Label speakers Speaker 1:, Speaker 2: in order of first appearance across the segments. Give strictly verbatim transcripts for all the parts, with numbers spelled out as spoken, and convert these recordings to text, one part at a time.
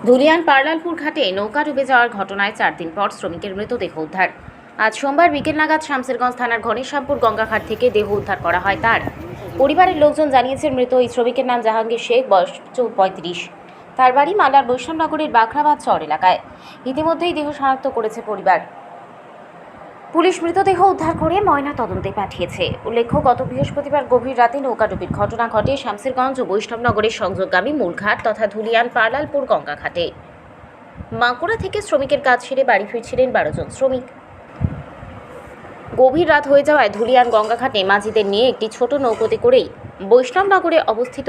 Speaker 1: ধুলিয়ান পার্লালপুর ঘাটে নৌকা ডুবে যাওয়ার ঘটনায় চার দিন পর শ্রমিকের মৃতদেহ উদ্ধার। আজ সোমবার বিকেল নাগাদ শামসেরগঞ্জ থানার ঘনেশ্যামপুর গঙ্গাঘাট থেকে দেহ উদ্ধার করা হয় তার। পরিবারের লোকজন জানিয়েছেন মৃত এই শ্রমিকের নাম জাহাঙ্গীর শেখ, বয়স পঁয়ত্রিশ। তার বাড়ি মালার বৈষ্ণবনগরের বাখরাবাদ চর এলাকায়। ইতিমধ্যেই দেহ শনাক্ত করেছে পরিবার। পুলিশ মৃতদেহ উদ্ধার করে ময়না তদন্তে পাঠিয়েছে। উল্লেখ্য, গত বৃহস্পতিবার গভীর রাতে নৌকাডুবির ঘটনা ঘটে শামসেরগঞ্জ ও বৈষ্ণবনগরের সংযোগগামী মূলঘাট তথা ধুলিয়ান পার্লালপুর গঙ্গাঘাটে। বাঁকুড়া থেকে শ্রমিকের কাজ সেরে বাড়ি ফিরছিলেন বারো জন শ্রমিক। গভীর রাত হয়ে যাওয়ায় ধুলিয়ান গঙ্গাঘাটে মাঝিদের নিয়ে একটি ছোট নৌকোতে করেই বৈষ্ণবনগরে অবস্থিত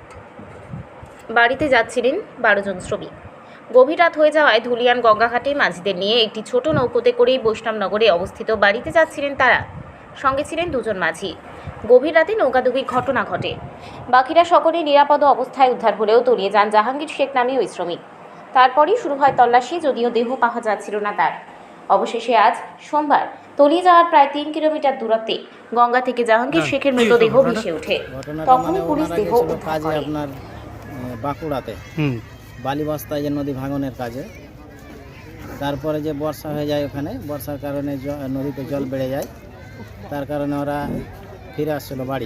Speaker 1: বাড়িতে যাচ্ছিলেন বারো জন শ্রমিক। গভীর রাত হয়ে যাওয়ায় ধুলিয়ান গঙ্গাঘাটে মাঝিদের নিয়ে একটি ছোট নৌকোতে করেই বৈষ্ণবনগরে অবস্থিত বাড়িতে যাচ্ছিলেন তারা। সঙ্গে ছিলেন দুজন মাঝি। গভীর রাতে নৌকাডুবির ঘটনা ঘটে। বাকিরা সকলে নিরাপদ অবস্থায় উদ্ধার হলেও তলিয়ে যান জাহাঙ্গীর শেখ নামে ওই শ্রমিক। তারপরই শুরু হয় তল্লাশি, যদিও দেহ পাওয়া যাচ্ছিল না তার। অবশেষে আজ সোমবার তলিয়ে যাওয়ার প্রায় তিন কিলোমিটার দূরত্বে গঙ্গা থেকে জাহাঙ্গীর শেখের মৃতদেহ ভেসে ওঠে। তখন পুলিশ দেহ উদ্ধার করে।
Speaker 2: আপনার বাঁকুড়াতে বালি বস্তায় যে নদী ভাঙনের কাজে, তারপরে যে বর্ষা হয়ে যায়, ওখানে বর্ষার কারণে নদীতে জল বেড়ে যায়, তার কারণে ওরা ফিরে আসছিল বাড়ি।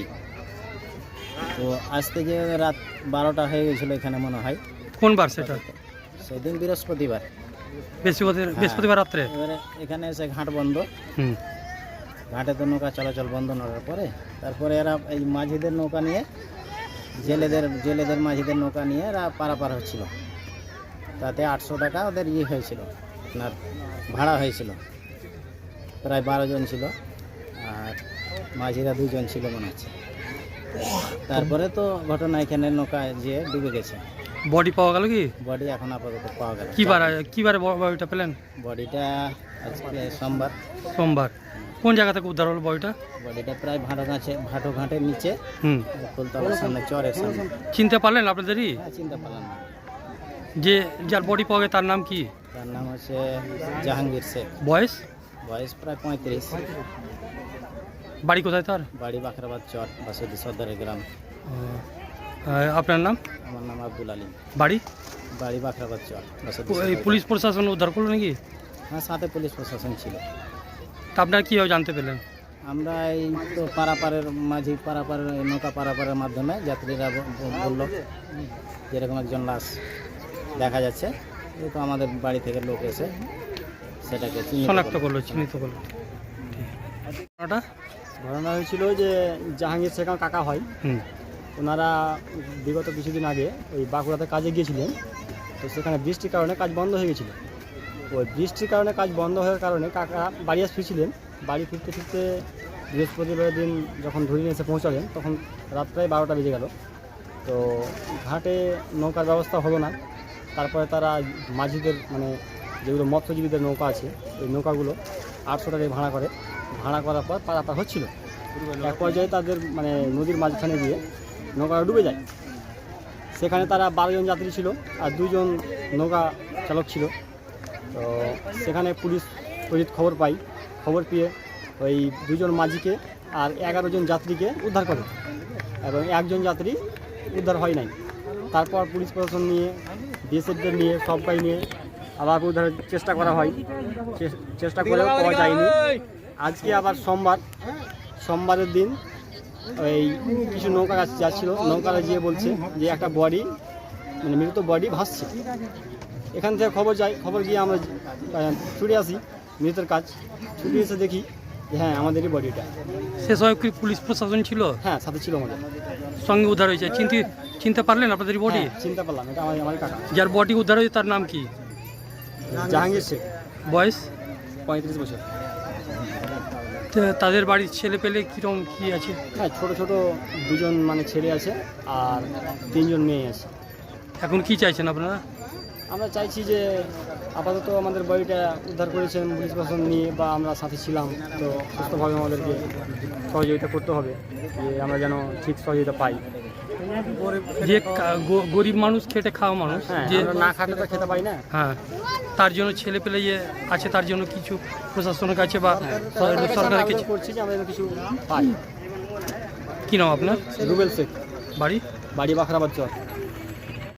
Speaker 2: তো আসতে যে রাত বারোটা হয়ে গেছিলো এখানে মনে হয়।
Speaker 3: কোন বার সেটা?
Speaker 2: সেদিন বৃহস্পতিবার
Speaker 3: বৃহস্পতিবার বৃহস্পতিবার রাত্রে।
Speaker 2: এবারে এখানে এসে ঘাট বন্ধ,
Speaker 3: হুম
Speaker 2: ঘাটে তো নৌকা চলাচল বন্ধ করার পরে তারপরে এরা এই মাঝিদের নৌকা নিয়ে জেলেদের জেলেদের মাঝিদের নৌকা নিয়ে এরা পারাপার হচ্ছিল। তাতে আটশো টাকা ওদের ইয়ে হয়েছিল, আপনার ভাড়া হয়েছিল। প্রায় বারো জন ছিল, আর মাঝিরা দুজন ছিল মনে হচ্ছে। তারপরে তো ঘটনা এখানে নৌকায় যেয়ে ডুবে গেছে।
Speaker 3: বডি পাওয়া গেল কি?
Speaker 2: বডি এখন আপাতত পাওয়া গেল।
Speaker 3: কি বার কি বারে বডিটা পেলেন?
Speaker 2: বডিটা আজকে সোমবার।
Speaker 3: সোমবার। কোন জায়গা থেকে উদ্ধার হলো বডিটা?
Speaker 2: বডিটা প্রায় ভাটো গাছে ভাটো ঘাটের নিচে,
Speaker 3: হুম
Speaker 2: ফুলতলার সামনে, চরের সামনে।
Speaker 3: চিনতে পারলেন আপনাদেরই?
Speaker 2: হ্যাঁ, চিনতে পারলাম না।
Speaker 3: যে যার বডি পাওয়া গেছে তার নাম কি?
Speaker 2: তার নাম হচ্ছে জাহাঙ্গীর শেখ।
Speaker 3: বয়স?
Speaker 2: বয়স প্রায় পঁয়ত্রিশ।
Speaker 3: বাড়ি কোথায় তার?
Speaker 2: বাড়ি বাখরাবাদ চর, বাসুদি সর্দারের গ্রাম।
Speaker 3: আপনার নাম?
Speaker 2: আমার নাম আব্দুল আলিম।
Speaker 3: বাড়ি?
Speaker 2: বাড়ি বাখরাবাদ চর, বাসুদি।
Speaker 3: এই পুলিশ প্রশাসন উদ্ধার করলো নাকি?
Speaker 2: হ্যাঁ, সাথে পুলিশ প্রশাসন ছিল।
Speaker 3: তা আপনারা কীভাবে জানতে পেলেন?
Speaker 2: আমরা এই তো পারাপারের মাঝি পারাপারের নৌকা পারাপারের মাধ্যমে যাত্রীরা বলল যেরকম একজন লাশ দেখা যাচ্ছে, এই তো আমাদের বাড়ি থেকে লোক এসে সেটাকে
Speaker 3: শনাক্ত করলো, চিহ্নিত করলো। ওটা
Speaker 4: ঘটনা হয়েছিল যে জাহাঙ্গীর শেখ আমার কাকা হয়।
Speaker 3: হুম
Speaker 4: ওনারা বিগত কিছুদিন আগে ওই বাঁকুড়াতে কাজে গিয়েছিলেন। তো সেখানে বৃষ্টির কারণে কাজ বন্ধ হয়ে গেছিলো। ওই বৃষ্টির কারণে কাজ বন্ধ হওয়ার কারণে কাকা বাড়ি আস ফিরছিলেন। বাড়ি ফিরতে ফিরতে বৃহস্পতিবার দিন যখন ধরিয়ে এসে পৌঁছালেন, তখন রাত প্রায় বারোটা বেজে গেল। তো ঘাটে নৌকার ব্যবস্থা হলো না। তারপরে তারা মাঝিদের, মানে যেগুলো মৎস্যজীবীদের নৌকা আছে, ওই নৌকাগুলো আটশো টাকায় ভাড়া করে। ভাড়া করার পর পারাপার হচ্ছিল। এক পর্যায়ে তাদের মানে নদীর মাঝখানে গিয়ে নৌকাটা ডুবে যায়। সেখানে তারা বারো জন যাত্রী ছিল আর দুজন নৌকা চালক ছিল। তো সেখানে পুলিশ তড়িৎ খবর পাই। খবর পেয়ে ওই দুজন মাঝিকে আর এগারো জন যাত্রীকে উদ্ধার করে, এবং একজন যাত্রী উদ্ধার হয় নাই। তারপর পুলিশ প্রশাসন নিয়ে, বিএসএফদের নিয়ে, সবাই নিয়ে আবার উদ্ধারের চেষ্টা করা হয়। চেষ্টা করেও পাওয়া যায়নি। আজকে আবার সোমবার, সোমবারের দিন ওই কিছু নৌকা যাচ্ছিল, নৌকাটা গিয়ে বলছে যে একটা বডি, মানে মৃত বডি ভাসছে। এখান থেকে খবর যায়, খবর গিয়ে আমরা ছুটে আসি মৃতের কাজ। ছুটে এসে দেখি যে হ্যাঁ, আমাদেরই বডিটা।
Speaker 3: সে সময় কি পুলিশ প্রশাসন ছিল?
Speaker 4: হ্যাঁ, সাথে ছিল আমাদের।
Speaker 3: সঙ্গে উদ্ধার হয়েছে। চিনতে চিনতে পারলেন আপনাদের বডি?
Speaker 4: চিনতে পারলাম, এটা আমার আমার কাকা।
Speaker 3: যার বডি উদ্ধার হয়েছে তার নাম কি?
Speaker 4: জাহাঙ্গীর শেখ।
Speaker 3: বয়স?
Speaker 4: পঁয়ত্রিশ বছর।
Speaker 3: তাদের বাড়ির ছেলে পেলে কীরকম কী আছে?
Speaker 4: হ্যাঁ, ছোটো ছোটো দুজন মানে ছেলে আছে আর তিনজন মেয়ে আছে।
Speaker 3: এখন কি চাইছেন আপনারা?
Speaker 4: আমরা চাইছি যে আপাতত আমাদের বডিটা উদ্ধার করেছেন পুলিশ প্রশাসন নিয়ে, বা আমরা সাথে ছিলাম, তো সুস্থভাবে আমাদেরকে সহযোগিতা করতে হবে, যে আমরা যেন ঠিক সহযোগিতা পাই।
Speaker 3: যে গরিব মানুষ, খেটে খাওয়া মানুষ,
Speaker 4: হ্যাঁ,
Speaker 3: যে
Speaker 4: না খাটে তো খেতে পাই না।
Speaker 3: হ্যাঁ, তার জন্য ছেলে পেলে যে আছে, তার জন্য কিছু প্রশাসনের কাছে বা সরকারের কাছে
Speaker 4: করছি যে আমরা যেন কিছু পাই।
Speaker 3: কী নাম আপনার?
Speaker 4: রুবেল শেখ।
Speaker 3: বাড়ি?
Speaker 4: বাড়ি বাখরাবাদ চর।